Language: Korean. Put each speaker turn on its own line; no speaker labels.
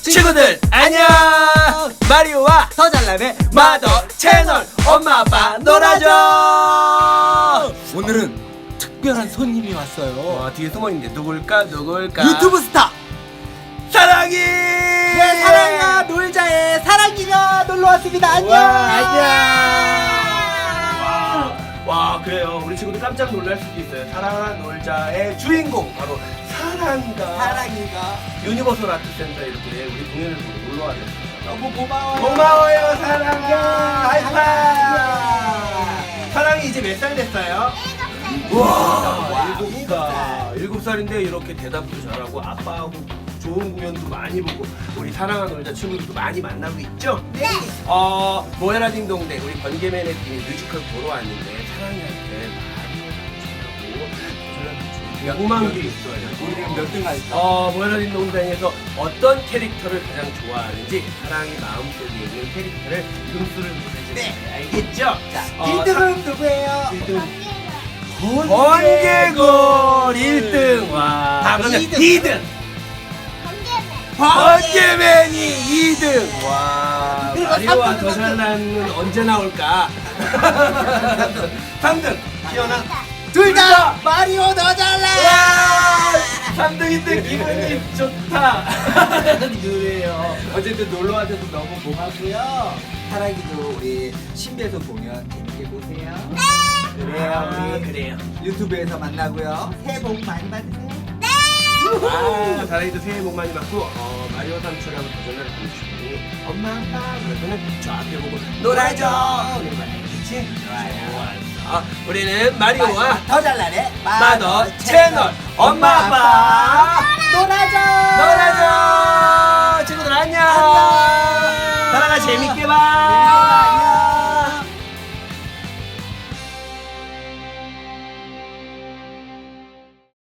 친구들 안녕. 마리오와
더 잘나네
마더 채널 엄마 아빠 놀아줘.
오늘은 특별한 손님이 왔어요.
와, 뒤에 숨어있는데 누굴까?
유튜브 스타
사랑이.
네 사랑이가 놀자에 사랑이가 놀러왔습니다. 안녕.
와, 그래요. 우리 친구들 깜짝 놀랄 수도 있어요. 사랑아 놀자의 주인공 바로 사랑이가 유니버설 아트센터 이렇게 우리 공연을 보러 놀러 왔어요.
너무 고마워요.
고마워요 사랑아. 하이파이브.
네.
사랑이 이제 몇 살 됐어요? 와, 7살. 7살인데 이렇게 대답도 잘하고 아빠하고 좋은 공연도 많이 보고 우리 사랑아 놀자 친구들도 많이 만나고 있죠?
네.
모에라 딩동댕 우리 번개맨의 팀이 뮤지컬 보러 왔는데 사랑이한테 많이 궁금한 게 있어요.
우리 지금 몇 등 가있어?
모에라 딩동댕에서 어떤 캐릭터를 가장 좋아하는지 사랑이 마음속에 있는 캐릭터를 이름수를 보내주세요.
네.
알겠죠?
자 1등은 누구예요?
1등 번개골 1등. 와.
다음
그러면
2등.
2등 번개맨이 2등. 와.
그리고
마리오와
3등은
더 잘나는 언제 나올까? 3등 기현아.
둘 다 마리오 더 잘나.
3등인데 기분이 좋다. 그래요.
어쨌든 놀러 와줘서 너무 고맙고요. 사랑이도 우리 신비에서 공연 재밌게 보세요. 네. 그래요. 우리
그래요.
유튜브에서 만나고요. 새해 복 많이 받으세요.
사랑이도 새해 복 많이 받고 마리오 삼촌하고 도전을 보여주시고 엄마 아빠 그러면은 저 앞에 보고 놀아줘. 우리 말이지. 좋아요. 우리는 마리오와
더 잘나네
마더 채널 엄마 아빠
놀아줘.
친구들 안녕. 사랑아 재밌게 봐.